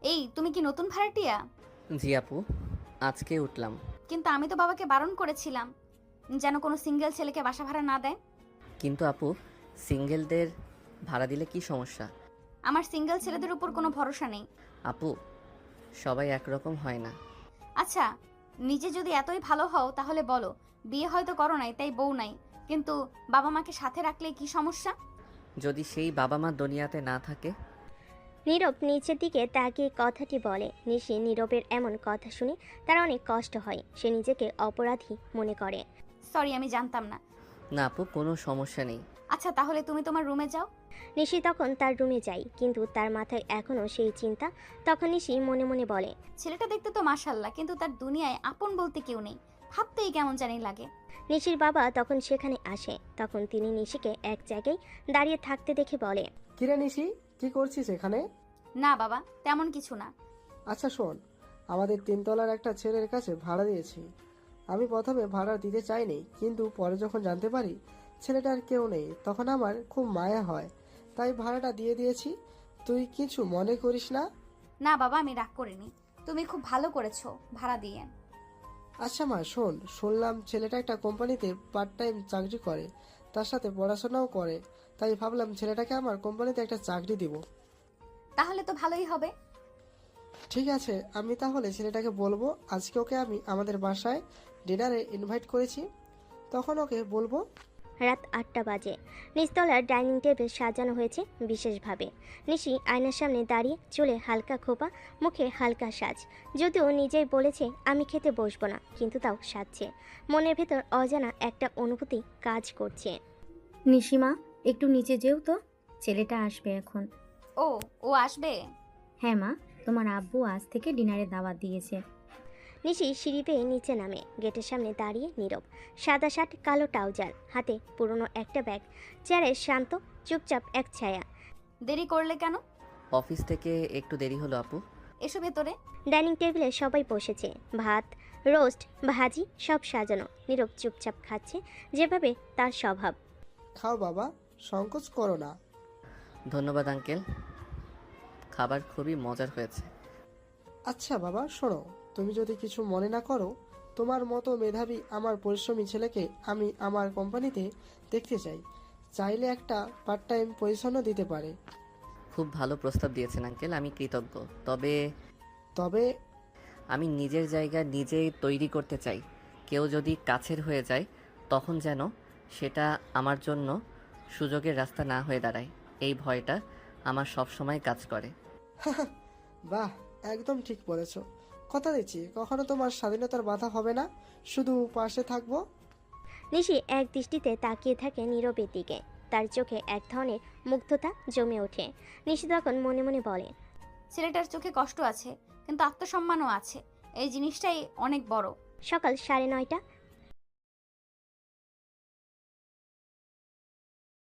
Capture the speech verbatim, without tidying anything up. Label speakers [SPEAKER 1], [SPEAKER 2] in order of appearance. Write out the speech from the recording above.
[SPEAKER 1] এই, তুমি কি নতুন ভাড়াটিয়া?
[SPEAKER 2] জি আপু, আজকে উঠলাম।
[SPEAKER 1] কিন্তু আমি তো বাবাকে বারণ করেছিলাম যেন কোনো সিঙ্গেল ছেলেকে বাসা ভাড়া না দেয়।
[SPEAKER 2] কিন্তু আপু, সিঙ্গেলদের ভাড়া দিলে কি সমস্যা?
[SPEAKER 1] আমার সিঙ্গেল ছেলেদের উপর কোনো ভরসা নেই।
[SPEAKER 2] আপু, সবাই একরকম হয় না।
[SPEAKER 1] আচ্ছা, নিজে যদি এতই ভালো হও তাহলে বলো, বিয়ে হয়তো করো নাই তাই বউ নাই, কিন্তু বাবা মাকে সাথে রাখলে কি সমস্যা?
[SPEAKER 2] যদি সেই বাবা মা দুনিয়াতে না থাকে?
[SPEAKER 3] নীরব নিচের দিকে তাকিয়ে কথাটি বলে। নিশি নীরবের এমন কথা শুনে তার অনেক কষ্ট হয়। সে নিজেকে অপরাধী মনে করে।
[SPEAKER 1] সরি, আমি জানতাম না।
[SPEAKER 2] না আপু, কোনো সমস্যা নেই।
[SPEAKER 1] আচ্ছা, তাহলে তুমি তোমার রুমে যাও।
[SPEAKER 3] নিশি তখন তার রুমে যায়, কিন্তু তার মাথায় এখনও সেই চিন্তা। তখন নিশি মনে মনে বলে,
[SPEAKER 1] ছেলেটা দেখতে তো মাশাল্লাহ, কিন্তু তার দুনিয়ায় আপন বলতে কেউ নেই। ভাবতেই কেমন জানি লাগে।
[SPEAKER 3] নিশির বাবা তখন সেখানে আসে। তখন তিনি নিশিকে এক জায়গায় দাঁড়িয়ে থাকতে দেখে বলে,
[SPEAKER 4] কিরে নিশি, কি করছিস এখানে?
[SPEAKER 1] না বাবা, তেমন কিছু না।
[SPEAKER 4] আচ্ছা শোন, আমাদের তিনতলার একটা ছেলের কাছে ভাড়া দিয়েছি। আমি প্রথমে ভাড়া দিতে চাইনি, কিন্তু পরে যখন জানতে পারি ছেলেটার কেউ নেই, তখন আমার খুব মায়া হয়, তাই ভাড়াটা দিয়ে দিয়েছি। তুই কিছু মনে করিস না?
[SPEAKER 1] না বাবা, আমি রাগ করিনি। তুমি খুব ভালো করেছো ভাড়া দিয়ে।
[SPEAKER 4] আচ্ছা মা, শোন, শুনলাম ছেলেটা একটা কোম্পানিতে পার্ট টাইম চাকরি করে, তার সাথে পড়াশোনাও করে, তাই ভাবলাম ছেলেটাকে আমার কোম্পানিতে একটা চাকরি দিব।
[SPEAKER 1] তাহলে তো ভালোই হবে।
[SPEAKER 4] ঠিক আছে, আমি তাহলে ছেলেটাকে বলবো আজকে ওকে আমি আমাদের বাসায় ডিনারে ইনভাইট করেছি, তখন ওকে বলবো।
[SPEAKER 3] রাত আটটা বাজে। নিচতলার ডাইনিং টেবিল সাজানো হয়েছে বিশেষভাবে। নিশি আয়নার সামনে দাঁড়িয়ে, চুলে হালকা খোপা, মুখে হালকা সাজ। যদিও নিজেই বলেছে আমি খেতে বসবো না, কিন্তু তাও সাজছে। মনের ভেতর অজানা একটা অনুভূতি কাজ করছে।
[SPEAKER 5] নিশিমা, একটু নিচে যেও তো, ছেলেটা আসবে এখন।
[SPEAKER 1] ও ও আসবে?
[SPEAKER 5] হ্যাঁ মা, তোমার আব্বু আজ থেকে ডিনারে দাওয়াত দিয়েছে।
[SPEAKER 3] নিশি সিঁড়ি বেয়ে নিচে নামে। গেটের সামনে দাঁড়িয়ে নীরব। সাদা শার্ট, কালো ট্রাউজার, হাতে পুরনো একটা ব্যাগ। চেয়ারে শান্ত, চুপচাপ এক ছায়া।
[SPEAKER 1] দেরি করলে কেন?
[SPEAKER 2] অফিস থেকে একটু দেরি হলো আপু।
[SPEAKER 1] এসো ভেতরে।
[SPEAKER 3] ডাইনিং টেবিলে সবাই বসেছে। ভাত, রোস্ট, ভাজি সব সাজানো। নীরব চুপচাপ খাচ্ছে, যেভাবে তার স্বভাব।
[SPEAKER 4] খাও বাবা, সংকোচ করো না।
[SPEAKER 2] ধন্যবাদ আঙ্কেল, খাবার খুবই মজার হয়েছে।
[SPEAKER 4] আচ্ছা বাবা শোনো, তুমি যদি কিছু মনে না করো, তোমার মতো মেধাবী আমার পরিশ্রমী ছেলেকে আমি আমার কোম্পানিতে দেখতে চাই। চাইলে একটা পার্ট টাইম পজিশনও দিতে পারে।
[SPEAKER 2] খুব ভালো প্রস্তাব দিয়েছেন আঙ্কেল, আমি কৃতজ্ঞ। তবে
[SPEAKER 4] তবে
[SPEAKER 2] আমি নিজের জায়গা নিজেই তৈরি করতে চাই। কেউ যদি কাছের হয়ে যায়, তখন যেন সেটা আমার জন্য সুযোগের রাস্তা না হয়ে দাঁড়ায়। এই ভয়টা আমার সব সময় কাজ করে।
[SPEAKER 4] বাহ, একদম ঠিক বলেছ। কথা দিচ্ছি কখনো তোমার স্বাধীনতার বাধা হবে না, শুধু পাশে থাকবো।
[SPEAKER 3] নিশি এক দৃষ্টিতে তাকিয়ে থাকে নীরবের দিকে। তার চোখে এক ধরনের মুগ্ধতা জমে ওঠে। নিশি তখন মনে মনে বলে,
[SPEAKER 1] ছেলেটার চোখে কষ্ট আছে, কিন্তু আত্মসম্মানও আছে। এই জিনিসটাই অনেক বড়।
[SPEAKER 3] সকাল সাড়ে নয়টা।